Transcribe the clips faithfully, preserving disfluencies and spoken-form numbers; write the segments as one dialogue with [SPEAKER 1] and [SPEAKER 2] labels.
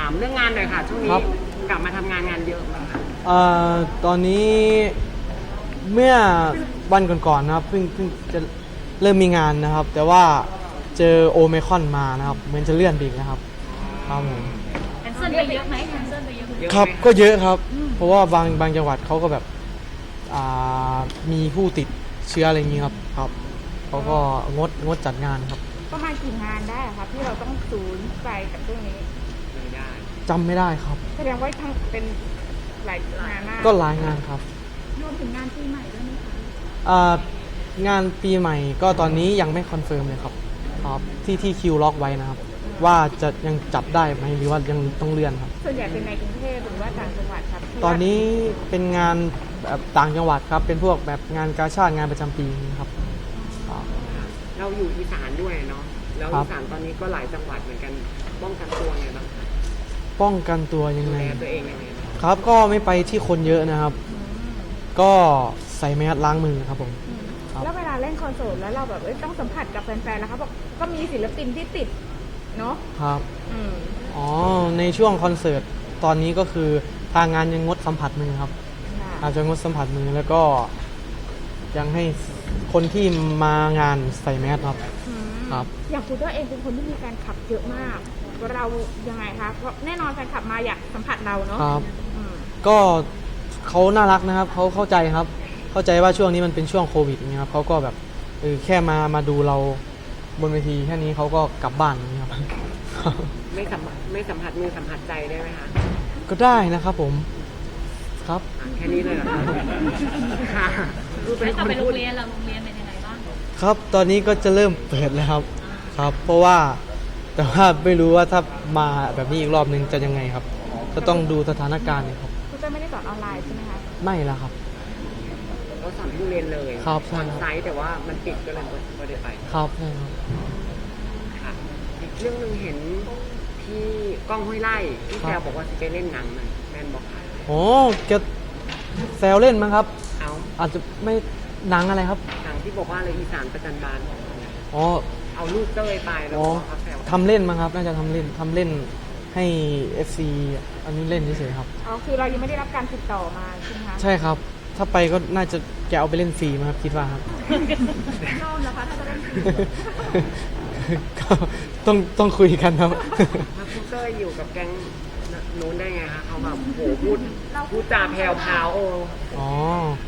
[SPEAKER 1] ามเรื่องงานหน่อยค่ะช่วงนี้กลับมาทำงานงานเยอะไหมคะ
[SPEAKER 2] เอ่อตอนนี้เมื่อวันก่อนๆนะครับเพิ่งเพิ่งจะเริ่มมีงานนะครับ แต่ว่าเจอโอไมครอนมานะครับเหมือนจะเลื่อนไปอีกนะครับครับผม
[SPEAKER 3] แคนเซิลไปเยอะไหมแคนเซิลไปเยอะไหม
[SPEAKER 2] ครับก็เยอะครับ เพราะว่าบางบางจังหวัดเขาก็แบบอ่ามีผู้ติดเชื้ออะไรอย่างนี้ครับครับเขาก็งดงดจัดงานครับ
[SPEAKER 4] ประมาณกี่งานได้ครับที่เราต้องสูญใจกับเรื่องนี้
[SPEAKER 1] ไม่ได้
[SPEAKER 2] จำไม่ได้ครับ
[SPEAKER 4] แสดงว่าทั้งเป็นหลายงานมาก
[SPEAKER 2] ก็หลายงานครับ
[SPEAKER 4] รวมถึงงานปีใหม่ด้วยไหมคะ
[SPEAKER 2] อ่างานปีใหม่ก็ตอนนี้ยังไม่คอนเฟิร์มเลยครับครับที่ที่คิวล็อกไว้นะครับว่าจะยังจัดได้ไหมหรือว่ายังต้องเลื่อนครับ
[SPEAKER 4] ส่วนใหญ่เป็นในกรุงเทพหรือว่าต่างจังหวัดครับ
[SPEAKER 2] ตอนนี้เป็นงานแบบต่างจังหวัดครับเป็นพวกแบบงานกาชาดงานประจำปีครับ
[SPEAKER 1] เราอยู่อีสานด้วยเนาะแล้วอีสานตอนนี้ก็หลายจังหวัดเหมือนกันป้องกันตัวไงบ้างคะ
[SPEAKER 2] ป้องกันตัวยัง
[SPEAKER 1] ดู
[SPEAKER 2] ไง
[SPEAKER 1] แลตัวเองยังไง
[SPEAKER 2] ครับก็ไม่ไปที่คนเยอะนะครับ ก็ใส่แมสล้างมือครับผม
[SPEAKER 4] แล้วเวลาเล่นคอนเสิร์ตแล้วเราแบบต้องสัมผัสกับแฟนๆแล้วครับบอกก็มีศิลปินที่ติดเนาะ
[SPEAKER 2] ครับอ๋อในช่วงคอนเสิร์ตตอนนี้ก็คือทางงานยังงดสัมผัสมือครับอาจจะงดสัมผัสมือแล้วก็ยังให้คนที่มางานใส่แมสครับครับ
[SPEAKER 4] อย่างคุณตัวเองเป็นคนที่มีแฟนคลับเยอะมากเรายังไงคะเพราะแน่นอนแฟนคลับมาอยากสัมผัสเราเนาะ
[SPEAKER 2] ครับก็เขาน่ารักนะครับเขาเข้าใจครับเข้าใจว่าช่วงนี้มันเป็นช่วงโควิดอย่างเงี้ยครับเขาก็แบบเออแค่มามาดูเราบนเวทีแค่นี้เขาก็กลับบ้านอย่างเงี้ยครับ
[SPEAKER 1] ไม่สัมผัสไม่สัมผัสมือสัมผัสใจได้ไหมคะ
[SPEAKER 2] ก็ได้นะครับผมครับ
[SPEAKER 1] แค่นี้เลยเหรอค่ะ
[SPEAKER 3] คือเป็นคนพูดโรงเรียนเราโรงเรียนเป็นยังไงบ้าง
[SPEAKER 2] ครับตอนนี้ก็จะเริ่มเปิดแล้วครับครับเพราะว่าแต่ว่าไม่รู้ว่าถ้ามาแบบนี้อีกรอบนึงจะยังไงครับก็ต้องดูสถานการณ์ครับ
[SPEAKER 4] คุณจะไม่ได้สอนออนไลน์ใช่ไหมคะ
[SPEAKER 2] ไม่ละครับ
[SPEAKER 1] ก็สอนที่โรงเรียนเลย
[SPEAKER 2] ครับ
[SPEAKER 1] สอนไซต์แต่ว่ามันปิดก็เลยไม่ได้ไป
[SPEAKER 2] ครับใช่ครับ
[SPEAKER 1] ค่ะอีกเรื่องนึงเห็นที่ก้องห้วยไร่ที่แซวบอกว่าจะไปเล่นหนังมันแมนบอกค่ะ
[SPEAKER 2] โอ้แกแซวเล่นมั้งครับ
[SPEAKER 1] เอา
[SPEAKER 2] อาจจะไม่หนังอะไรครับ
[SPEAKER 1] หนังที่บอกว่าอะไรอีสานประจันบาน
[SPEAKER 2] อ๋อ
[SPEAKER 1] เอาลูกเต้ยไปแล้วก็แซว
[SPEAKER 2] ทำเล่นมั้งครับน่าจะทำเล่นทำเล่นให้ เอฟ ซี อันนี้เล่นเฉยๆครับ
[SPEAKER 4] อ๋อคือเรายังไม่ได้รับการติดต่อมาใช่ไหมคะ
[SPEAKER 2] ใช่ครับถ้าไปก็น่าจะแกเอาไปเล่นฟรีมั้งครับคิดว่าครับ
[SPEAKER 4] ชอบนะคะถ้าจะเล่นฟรี
[SPEAKER 2] ก็ต้องต้องคุยกันครับ
[SPEAKER 1] ถ้าคุณเต้ยอยู่กับแก๊งนู้นได้ไงคะเขาแบบโหพูดพูดจาแผ่วพาวโอ้
[SPEAKER 2] อ๋อ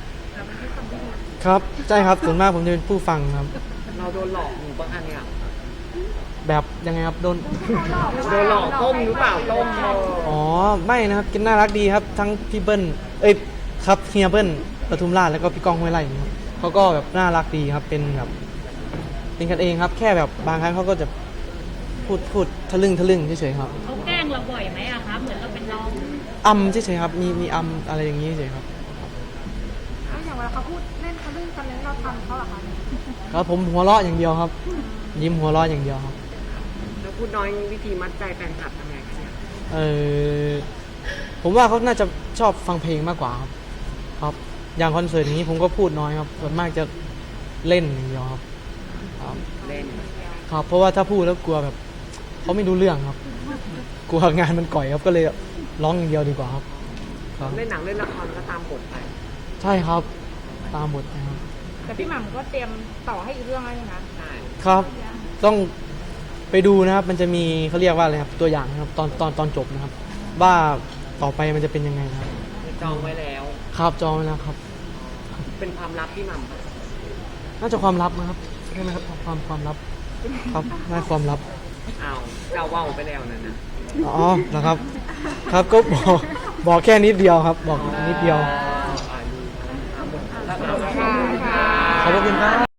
[SPEAKER 2] ครับใช่ครับส่วนมากผมจะเป็นผู้ฟังครับ
[SPEAKER 1] เราโดนหลอกหรือเปล่าคะเนี่ย
[SPEAKER 2] แบบยังไงครับโดน
[SPEAKER 1] โดนหลอกต้มหรือเปล่าต้ม
[SPEAKER 2] อ๋อไม่นะครับกินน่ารักดีครับทั้งพี่เบิ้ลเอ้ยครับเฮียเบิ้ลปทุมราชแล้วก็พี่ก้องห้วยไร่ครับเขาก็แบบน่ารักดีครับเป็นแบบเป็นกันเองครับแค่แบบบางครั้งเขาก็จะพูดพูดทะลึ่งทะลึ่งเฉยๆครับ
[SPEAKER 3] เขาแกล้งเราบ่อยไหมอะครับเหมือนเราเป็นน้อง
[SPEAKER 2] อัมเฉยๆครับมีมีอัมอะไรอย่างนี้เฉยๆครับ
[SPEAKER 4] อย่างเวลาเขาพูดเล่นเขาเล่นกันแล้วเราทำเขาหรอคะ
[SPEAKER 2] ครับผมหัวเราะอย่างเดียวครับยิ้มหัวเราะอย่างเดียวครับ
[SPEAKER 1] แล้วพูดน้อยวิธีมัดใจแฟนคลับทำไงคะเนี่ย
[SPEAKER 2] เออผมว่าเขาน่าจะชอบฟังเพลงมากกว่าครับครับอย่างคอนเสิร์ตนี้ผมก็พูดน้อยครับส่วนมากจะเล่นอย่างเดียวครับ
[SPEAKER 1] เล่น
[SPEAKER 2] ครับเพราะว่าถ้าพูดแล้วกลัวแบบเขาไม่รู้เรื่องครับกลัวงานมันก่อยครับก็เลยร้องอย่างเดียวดีกว่าครับ
[SPEAKER 1] เล่นหนังเล่นละครก็ตามบทไป
[SPEAKER 2] ใช่ครับตามบทนะครับ
[SPEAKER 4] แต่พี่หม่ำก็เตรียมต่อให้อีกเรื่องอะไรนะ
[SPEAKER 1] ใช่
[SPEAKER 2] ครับต้องไปดูนะครับมันจะมีเขาเรียกว่าอะไรครับตัวอย่างนะครับตอนตอนตอนจบนะครับว่าต่อไปมันจะเป็นยังไงครับ
[SPEAKER 1] จองไว้แล้ว
[SPEAKER 2] ครับจองไว้แล้วครับ
[SPEAKER 1] เป็นความลับพี่หม่ำ
[SPEAKER 2] น่าจะความลับนะครับใช่ไหมครับความความลับครับน่าความลับ
[SPEAKER 1] อ้าวเจ้าว่าวไปแล้วนั่นนะ
[SPEAKER 2] อ๋อนะครับครับก็บอกบอกแค่นิดเดียวครับบอกนิดเดียวขอบคุณครับ